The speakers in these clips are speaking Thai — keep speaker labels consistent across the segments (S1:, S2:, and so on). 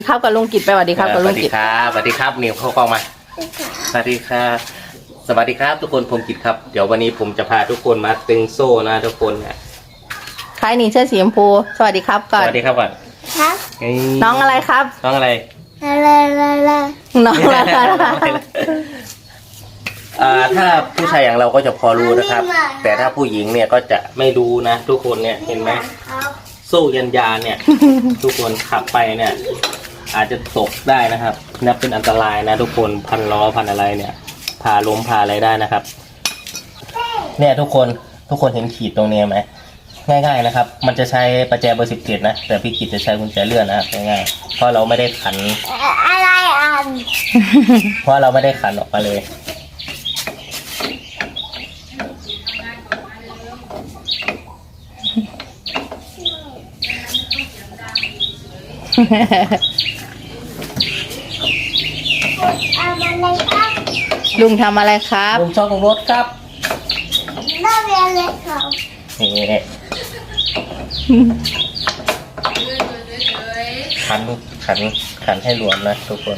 S1: ครับกับลุงกิจไปสวัสดีครับกับลุงกิจ
S2: สวัสดีครับนิวเข้ากล้องมาสวัสดีครับสวัสดีครับทุกคนผมกิจครับเดี๋ยววันนี้ผมจะพาทุกคนมาตึงโซ่นะทุกคนเนี่ย
S1: ใครนี่เสื้อสีชมพูสวัสดีครับก่อน
S2: สวัสดีครับก่อน
S3: ครับ
S1: น้องอะไรครับ
S2: น้องอะไร
S1: น้องอะไร
S2: ถ้าผู้ชายอย่างเราก็จะพอรู้นะครับ แต่ถ้าผู้หญิงเนี่ยก็จะไม่รู้นะทุกคนเนี่ยเห็นไหมโซ่ยันยาเนี่ย ทุกคนขับไปเนี่ยอาจจะตกได้นะครับนับเป็นอันตรายนะทุกคนพันล้อพันอะไรเนี่ยพาล้มพาอะไรได้นะครับเนี่ยทุกคนเห็นขีดตรงนี้ไหมง่ายๆนะครับมันจะใช้ประแจเบอร์17นะแต่พี่กิจจะใช้กุญแจเลื่อนนะครับง่ายๆเพราะเราไม่ได้ขัน
S3: อะไร
S2: เพราะเราไม่ได้ขันออกมาเลย
S1: ลุงทำอะไรครับ
S2: ลุงช่องรถครับ
S3: น่าเรียนเลยครับ
S2: นี่ขันให้รวมนะทุกคน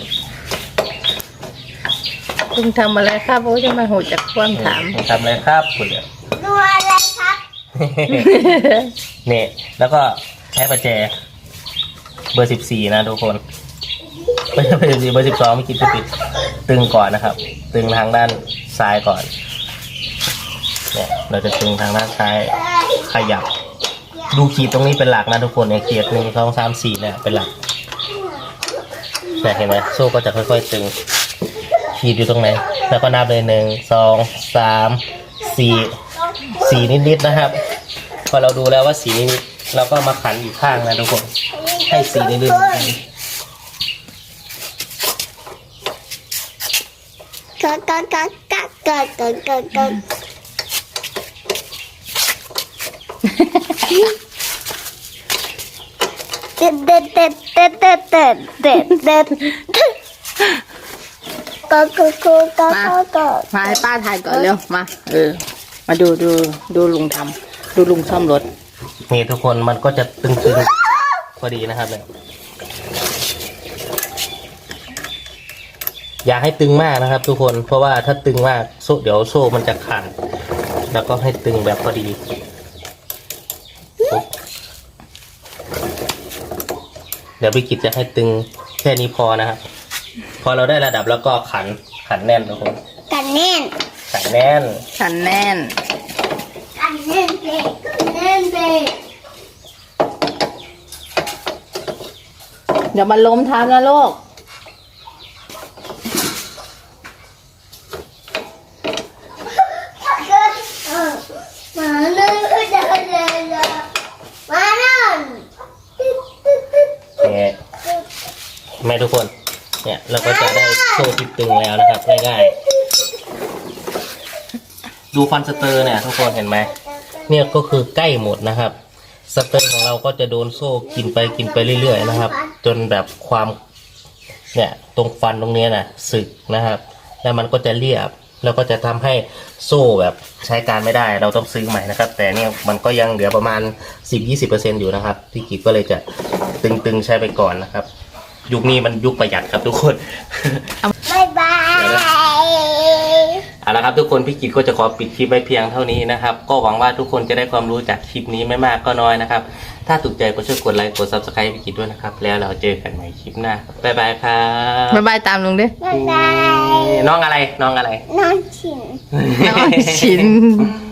S1: ลุงทำอะไรครับโอ้จะมาโหดจากความถาม
S2: ลุงทำอะไรครับคุณเนี่ย
S3: ดูอะไรครับ
S2: เนี่ยแล้วก็ใช้ประแจเบอร์14นะทุกคนไม่ใช่เบอร์14เบอร์12ไม่คิดจะปิดตึงก่อนนะครับตึงทางด้านซ้ายก่อนเนี่ยเราจะตึงทางด้านซ้ายขยับดูขีดตรงนี้เป็นหลักนะทุกคนเนี่ยขีด1 2 3 4เนี่ยเป็นหลักเนี่ยเห็นไหมโซ่ก็จะค่อยๆตึงขีดอยู่ตรงไหนแล้วก็นับเลย1 2 3 4นิดๆนะครับพอเราดูแล้วว่า4นิดๆเราก็มาขันอีกข้างนะทุกคนให้4นิดๆ
S1: มาให้ป้าถ่ายก่อนเร็วมามาดูลุงทำดูลุงซ่อมรถ
S2: นี่ทุกคนมันก็จะตึงพอดีนะครับเนี่ยอย่าให้ตึงมากนะครับทุกคนเพราะว่าถ้าตึงมากโซ่เดี๋ยวโซ่มันจะขาดแล้วก็ให้ตึงแบบพอดีเดี๋ยวพี่กิจจะให้ตึงแค่นี้พอนะครับพอเราได้ระดับแล้วก็ขันแน่นทุกคน
S3: กันแน่น
S1: เดี๋ยวมันล้มทับนะลูก
S2: แม่ทุกคนเนี่ยเราก็จะได้โซ่ที่ตึงแล้วนะครับง่ายๆดูฟันสเตอร์เนี่ยทุกคนเห็นไหมเนี่ยก็คือใกล้หมดนะครับสเตอร์ของเราก็จะโดนโซ่กินไปเรื่อยๆนะครับจนแบบความเนี่ยตรงฟันตรงนี้นะสึกนะครับแล้วมันก็จะเรียบแล้วก็จะทำให้โซ่แบบใช้การไม่ได้เราต้องซื้อใหม่นะครับแต่เนี่ยมันก็ยังเหลือประมาณ 10-20% อยู่นะครับพี่กิจก็เลยจะตึงๆใช้ไปก่อนนะครับยุคนี้มันยุคประหยัดครับทุกคน
S3: บ๊ายบาย
S2: เอาละครับทุกคนพี่กิจก็จะขอปิดคลิปไว้เพียงเท่านี้นะครับก็หวังว่าทุกคนจะได้ความรู้จากคลิปนี้ไม่มากก็น้อยนะครับถ้าถูกใจก็ช่วยกดไลค์กด Subscribe พี่กิจด้วยนะครับแล้วเราเจอกันใหม่คลิปหน้าบ๊ายบายครับ
S1: บ๊ายบายตามลุงดิ
S3: บ๊ายบาย
S2: น้องอะไร
S3: น้องชิน
S1: น้องชิน